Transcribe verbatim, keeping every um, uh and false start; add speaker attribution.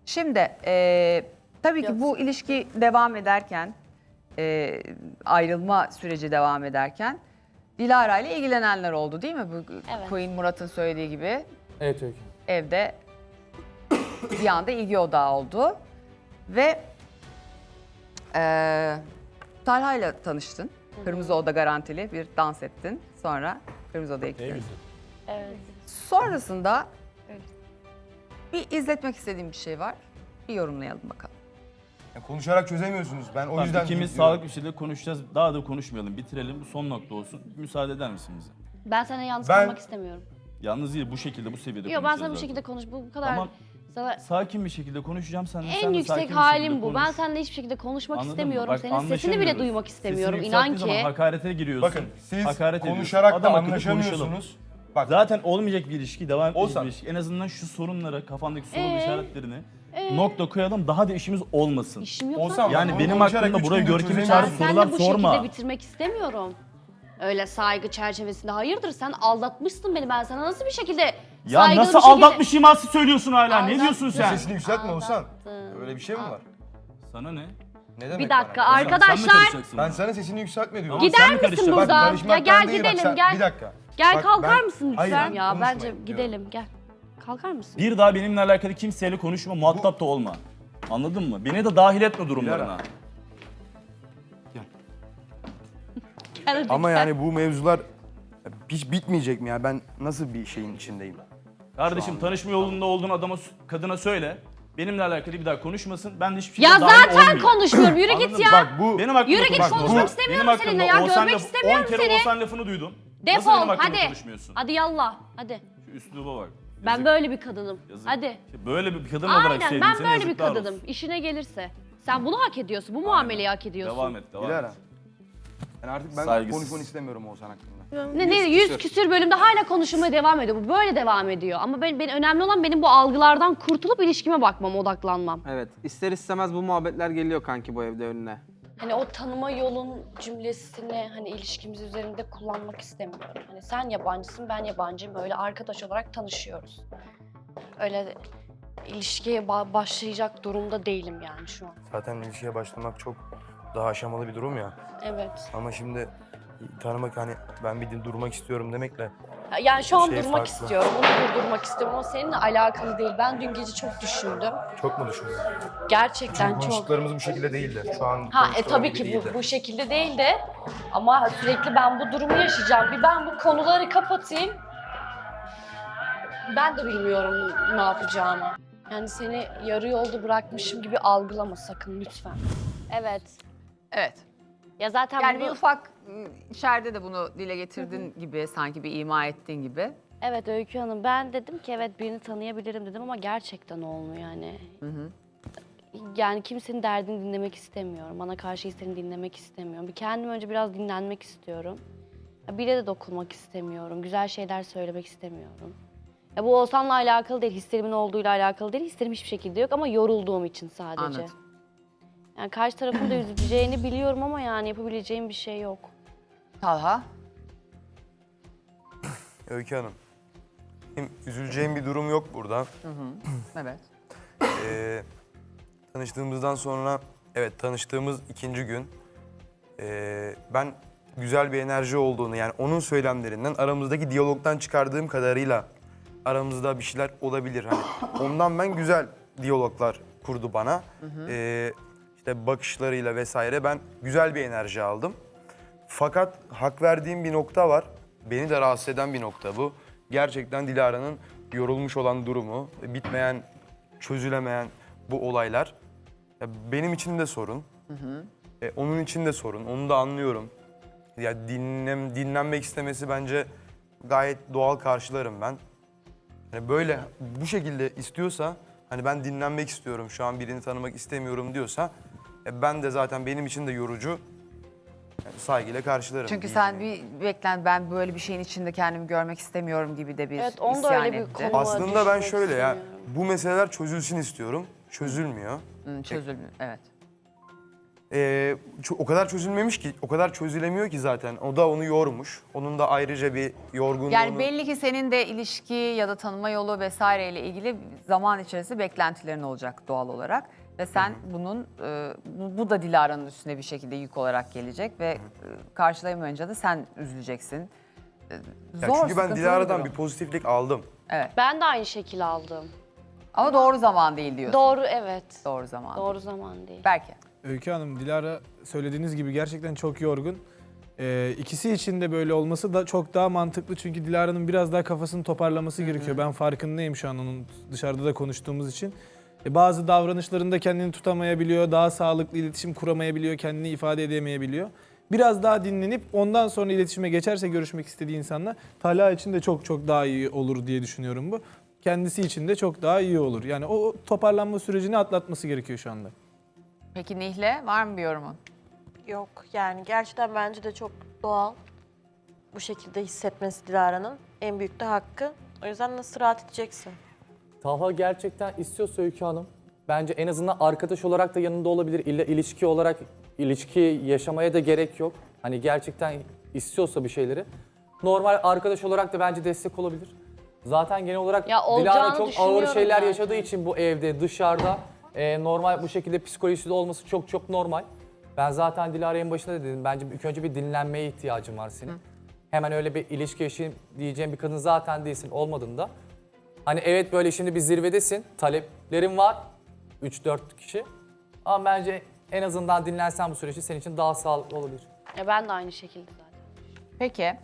Speaker 1: Şimdi e, tabii ki bu ilişki devam ederken, e, ayrılma süreci devam ederken Dilara ile ilgilenenler oldu değil mi? Bu
Speaker 2: Evet.
Speaker 1: Queen Murat'ın söylediği gibi
Speaker 3: Evet Öykü.
Speaker 1: evde bir anda ilgi odağı oldu. Ve e, Talha ile tanıştın. Kırmızı Oda garantili bir dans ettin. Sonra Kırmızı Oda'ya gittin.
Speaker 2: Evet.
Speaker 1: Sonrasında bir izletmek istediğim bir şey var. Bir yorumlayalım bakalım.
Speaker 4: Ya konuşarak çözemiyorsunuz. Ben o
Speaker 5: Tamam,
Speaker 4: yüzden
Speaker 5: ikimiz
Speaker 4: diyorum.
Speaker 5: sağlıklı bir şekilde konuşacağız. Daha da konuşmayalım. Bitirelim. Bu son nokta olsun. Müsaade eder misin bize?
Speaker 2: Ben sana yalnız
Speaker 4: Ben-
Speaker 2: kalmak istemiyorum.
Speaker 5: Yalnız değil, bu şekilde, bu seviyede
Speaker 2: Yok ben
Speaker 5: konuşacağız
Speaker 2: sana bu
Speaker 5: zaten.
Speaker 2: şekilde konuş. Bu bu kadar
Speaker 5: Tamam.
Speaker 2: sana
Speaker 5: Sakin bir şekilde konuşacağım seninle. sen
Speaker 2: en
Speaker 5: de
Speaker 2: yüksek
Speaker 5: sakin bir
Speaker 2: halim
Speaker 5: şekilde
Speaker 2: bu. Ben
Speaker 5: konuş.
Speaker 2: seninle hiçbir şekilde konuşmak
Speaker 5: Anladın mı?
Speaker 2: istemiyorum.
Speaker 5: Bak,
Speaker 2: Senin sesini bile
Speaker 5: anlaşamıyoruz.
Speaker 2: duymak istemiyorum.
Speaker 5: Sesini
Speaker 2: İnan
Speaker 5: yükselttiğin
Speaker 2: ki.
Speaker 5: zaman hakarete giriyorsun.
Speaker 4: Bakın siz
Speaker 5: Hakaret ediyorsun.
Speaker 4: konuşarak da
Speaker 5: Adam akıllı konuşalım.
Speaker 4: anlaşamıyorsunuz. Bak
Speaker 5: Zaten olmayacak bir ilişki, devam edecek
Speaker 4: Olsan.
Speaker 5: bir ilişki. En azından şu sorunlara, kafandaki soru
Speaker 2: Ee?
Speaker 5: işaretlerini nokta koyalım, daha da işimiz olmasın.
Speaker 2: İşim yok
Speaker 4: Olsam-
Speaker 2: zaten.
Speaker 5: Yani
Speaker 4: Onu
Speaker 5: benim
Speaker 4: konuşarak
Speaker 5: hakkımda
Speaker 4: üç
Speaker 5: buraya
Speaker 4: gündür
Speaker 5: görkemi
Speaker 4: çözemiyoruz.
Speaker 5: çağrı
Speaker 2: Ben
Speaker 5: sorular
Speaker 2: seninle bu
Speaker 5: sorma.
Speaker 2: şekilde bitirmek istemiyorum. Öyle saygı çerçevesinde. Hayırdır sen aldatmışsın beni. Ben sana nasıl bir şekilde
Speaker 5: Ya
Speaker 2: saygılı
Speaker 5: nasıl
Speaker 2: bir şekilde...
Speaker 5: aldatmış iması söylüyorsun hala? Ne
Speaker 2: Aldattım.
Speaker 5: diyorsun
Speaker 4: ya
Speaker 5: sen?
Speaker 4: sesini yükseltme Oğuzhan.
Speaker 2: Aldattım.
Speaker 4: Öyle bir şey mi var?
Speaker 5: Sana ne?
Speaker 4: Ne demek
Speaker 2: Bir dakika
Speaker 4: bana?
Speaker 5: Sen mi
Speaker 2: arkadaşlar.
Speaker 5: karışacaksın
Speaker 4: Ben
Speaker 5: bana?
Speaker 4: sana sesini yükseltme diyorum.
Speaker 5: Tamam, sen
Speaker 2: Gider
Speaker 5: mi
Speaker 2: misin
Speaker 5: karışacaksın?
Speaker 4: Bak,
Speaker 2: buradan?
Speaker 4: karışmaktan
Speaker 2: Ya gel
Speaker 4: değil, bak
Speaker 2: gidelim
Speaker 4: sen-
Speaker 2: gel.
Speaker 4: Bir dakika.
Speaker 2: Gel
Speaker 4: Bak,
Speaker 2: kalkar
Speaker 4: ben-
Speaker 2: mısın
Speaker 4: Hayır,
Speaker 2: lütfen? Ya
Speaker 4: konuşmayın
Speaker 2: bence
Speaker 4: diyorum.
Speaker 2: gidelim gel. Kalkar mısın?
Speaker 5: Bir daha benimle alakalı kimseyle konuşma, muhatap da olma. Anladın mı? Beni de dahil etme durumlarına.
Speaker 2: Gel hadi
Speaker 4: Ama
Speaker 2: gel.
Speaker 4: yani bu mevzular hiç bitmeyecek mi ya? Ben nasıl bir şeyin içindeyim?
Speaker 5: Kardeşim tanışma yolunda olduğun adama, kadına söyle. Benimle alakalı bir daha konuşmasın. Ben de hiçbir şekilde
Speaker 2: Ya
Speaker 5: dahil
Speaker 2: zaten
Speaker 5: olmayayım.
Speaker 2: konuşmuyorum. Yürü
Speaker 5: Anladın
Speaker 2: git
Speaker 5: mı?
Speaker 2: ya.
Speaker 4: Bak bu
Speaker 5: Benim hakkımda
Speaker 2: Yürü git,
Speaker 5: konuşma.
Speaker 2: konuşmak
Speaker 5: Bu-
Speaker 2: istemiyorum
Speaker 5: benim
Speaker 2: seninle
Speaker 5: hakkımda
Speaker 2: ya,
Speaker 5: Oğuzhan
Speaker 2: görmek
Speaker 5: lafı-
Speaker 2: istemiyorum
Speaker 5: on kere
Speaker 2: seni.
Speaker 5: Oğuzhan lafını duydum. Nasıl
Speaker 2: Defol
Speaker 5: benim hakkımda
Speaker 2: hadi.
Speaker 5: konuşmuyorsun?
Speaker 2: Hadi yallah hadi.
Speaker 5: Şu üsluba bak.
Speaker 2: Ben
Speaker 5: Yazık,
Speaker 2: böyle bir kadınım.
Speaker 5: yazık.
Speaker 2: Hadi.
Speaker 5: Böyle bir kadın olarak
Speaker 2: Aynen
Speaker 5: sevdim
Speaker 2: ben
Speaker 5: seni,
Speaker 2: böyle bir
Speaker 5: yazıklar
Speaker 2: kadınım.
Speaker 5: olsun.
Speaker 2: İşine gelirse. Sen bunu hak ediyorsun. Bu muameleyi hak ediyorsun.
Speaker 5: Devam et, devam
Speaker 4: Dilara.
Speaker 5: et.
Speaker 4: Yani artık ben
Speaker 5: Saygısız.
Speaker 4: konuşmanı istemiyorum Oğuzhan hakkında.
Speaker 2: Ne, ne yüz küsür bölümde hala konuşmaya devam ediyor. Bu böyle devam ediyor. Ama ben, ben önemli olan benim bu algılardan kurtulup ilişkime bakmam, odaklanmam.
Speaker 3: Evet. İster istemez bu muhabbetler geliyor kanki bu evde önüne.
Speaker 2: Hani o tanıma yolun cümlesini hani ilişkimiz üzerinde kullanmak istemiyorum. Hani sen yabancısın, ben yabancıyım. Öyle arkadaş olarak tanışıyoruz. Öyle ilişkiye ba- başlayacak durumda değilim yani şu an.
Speaker 4: Zaten ilişkiye başlamak çok daha aşamalı bir durum ya.
Speaker 2: Evet.
Speaker 4: Ama şimdi tanımak hani ben bir durmak istiyorum demekle
Speaker 2: Yani şu an
Speaker 4: Şey
Speaker 2: durmak
Speaker 4: farklı.
Speaker 2: istiyorum, onu durdurmak istiyorum ama seninle alakalı değil. Ben dün gece çok düşündüm.
Speaker 4: çok mu düşünüyorsun?
Speaker 2: Gerçekten çok.
Speaker 4: Konuştuklarımız bu şekilde değildi. Şu an
Speaker 2: Ha e
Speaker 4: konuştuğumuz
Speaker 2: tabii
Speaker 4: gibi
Speaker 2: ki
Speaker 4: değildi.
Speaker 2: bu, bu şekilde değil de ama sürekli ben bu durumu yaşayacağım. Bir ben bu konuları kapatayım. Ben de bilmiyorum ne yapacağımı. Yani seni yarı yolda bırakmışım gibi algılama sakın lütfen. Evet.
Speaker 1: Evet.
Speaker 2: Ya zaten
Speaker 1: Yani
Speaker 2: bunu-
Speaker 1: bir ufak ıı, içeride de bunu dile getirdin gibi, sanki bir ima ettiğin gibi.
Speaker 2: Evet Öykü Hanım, ben dedim ki evet birini tanıyabilirim dedim ama gerçekten olmuyor yani. Yani kimsenin derdini dinlemek istemiyorum. Bana karşı hislerini dinlemek istemiyorum. Bir kendim önce biraz dinlenmek istiyorum. Ya bire de dokunmak istemiyorum. Güzel şeyler söylemek istemiyorum. Ya bu Oğuzhan'la alakalı değil, hislerimin olduğuyla alakalı değil. Hislerim hiçbir şekilde yok ama yorulduğum için sadece.
Speaker 1: Anladım.
Speaker 2: Yani karşı tarafın da üzüleceğini biliyorum ama yani yapabileceğim bir şey yok.
Speaker 1: Talha.
Speaker 4: Öykü Hanım. Benim üzüleceğim bir durum yok burada.
Speaker 1: Evet.
Speaker 4: Ee, tanıştığımızdan sonra, evet tanıştığımız ikinci gün ee, ben güzel bir enerji olduğunu, yani onun söylemlerinden, aramızdaki diyalogdan çıkardığım kadarıyla aramızda bir şeyler olabilir. Hani ondan ben güzel diyaloglar kurdu bana. Ee, işte bakışlarıyla vesaire ben güzel bir enerji aldım. Fakat hak verdiğim bir nokta var. Beni de rahatsız eden bir nokta bu. Gerçekten Dilara'nın yorulmuş olan durumu, bitmeyen, çözülemeyen bu olaylar. Ya benim için de sorun. E, onun için de sorun. Onu da anlıyorum. Ya dinlem, dinlenmek istemesi bence gayet doğal, karşılarım ben. Yani böyle bu şekilde istiyorsa, hani ben dinlenmek istiyorum, şu an birini tanımak istemiyorum diyorsa, e, ben de zaten benim için de yorucu. Yani saygıyla karşılarım.
Speaker 1: Çünkü
Speaker 4: diyeyim
Speaker 1: sen
Speaker 4: yani.
Speaker 1: bir beklen, ben böyle bir şeyin içinde kendimi görmek istemiyorum gibi de bir
Speaker 2: Evet, onda
Speaker 1: isyan
Speaker 2: öyle bir
Speaker 1: etti.
Speaker 2: konu-
Speaker 4: Aslında ben
Speaker 2: düşmek
Speaker 4: şöyle ya,
Speaker 2: istemiyorum.
Speaker 4: bu meseleler çözülsün istiyorum. Çözülmüyor.
Speaker 1: Hı, çözülmüyor, evet.
Speaker 4: Ee, ço- o kadar çözülmemiş ki, o kadar çözülemiyor ki zaten. O da onu yormuş. Onun da ayrıca bir yorgunluğunu...
Speaker 1: Yani belli ki senin de ilişki ya da tanıma yolu vesaireyle ilgili zaman içerisinde beklentilerin olacak doğal olarak. Ve sen bunun, e, bu, bu da Dilara'nın üstüne bir şekilde yük olarak gelecek ve e, karşılayamayınca da sen üzüleceksin. E,
Speaker 4: Ya
Speaker 1: Zor,
Speaker 4: çünkü ben
Speaker 1: sıkıntılı
Speaker 4: Dilara'dan
Speaker 1: durum.
Speaker 4: bir pozitiflik aldım.
Speaker 1: Evet.
Speaker 2: Ben de aynı şekil aldım.
Speaker 1: Ama doğru zaman değil diyorsun.
Speaker 2: Doğru, evet.
Speaker 1: Doğru zaman.
Speaker 2: Doğru zaman değil.
Speaker 1: Belki.
Speaker 6: Öykü Hanım, Dilara söylediğiniz gibi gerçekten çok yorgun. Ee, ikisi için de böyle olması da çok daha mantıklı çünkü Dilara'nın biraz daha kafasını toparlaması gerekiyor. Ben farkındayım şu an onun dışarıda da konuştuğumuz için. E, bazı davranışlarında kendini tutamayabiliyor, daha sağlıklı iletişim kuramayabiliyor, kendini ifade edemeyebiliyor. Biraz daha dinlenip ondan sonra iletişime geçerse görüşmek istediği insanla Talha için de çok çok daha iyi olur diye düşünüyorum bu. Kendisi için de çok daha iyi olur. Yani o toparlanma sürecini atlatması gerekiyor şu anda.
Speaker 1: Peki Nihle, var mı bir yorumun?
Speaker 7: Yok yani gerçekten bence de çok doğal bu şekilde hissetmesi Dilara'nın. En büyük de hakkı. O yüzden nasıl rahat edeceksin?
Speaker 8: Talha gerçekten istiyorsa Öykü Hanım, bence en azından arkadaş olarak da yanında olabilir. İlla ilişki olarak ilişki yaşamaya da gerek yok. Hani gerçekten istiyorsa bir şeyleri. Normal arkadaş olarak da bence destek olabilir. Zaten genel olarak
Speaker 2: Ya
Speaker 8: Dilara
Speaker 2: olacağını
Speaker 8: çok ağır
Speaker 2: düşünüyorum
Speaker 8: şeyler
Speaker 2: zaten.
Speaker 8: yaşadığı için bu evde, dışarıda e, normal bu şekilde psikolojisi de olması çok çok normal. Ben zaten Dilara'ya en başında da dedim. Bence ilk önce bir dinlenmeye ihtiyacın var senin. Hemen öyle bir ilişki yaşayayım diyeceğim bir kadın zaten değilsin olmadığında. Hani evet böyle şimdi bir zirvedesin, taleplerin var, üç dört kişi. Ama bence en azından dinlensen bu süreçte senin için daha sağlıklı olabilir.
Speaker 2: Ya ben de aynı şekilde zaten.
Speaker 1: Peki.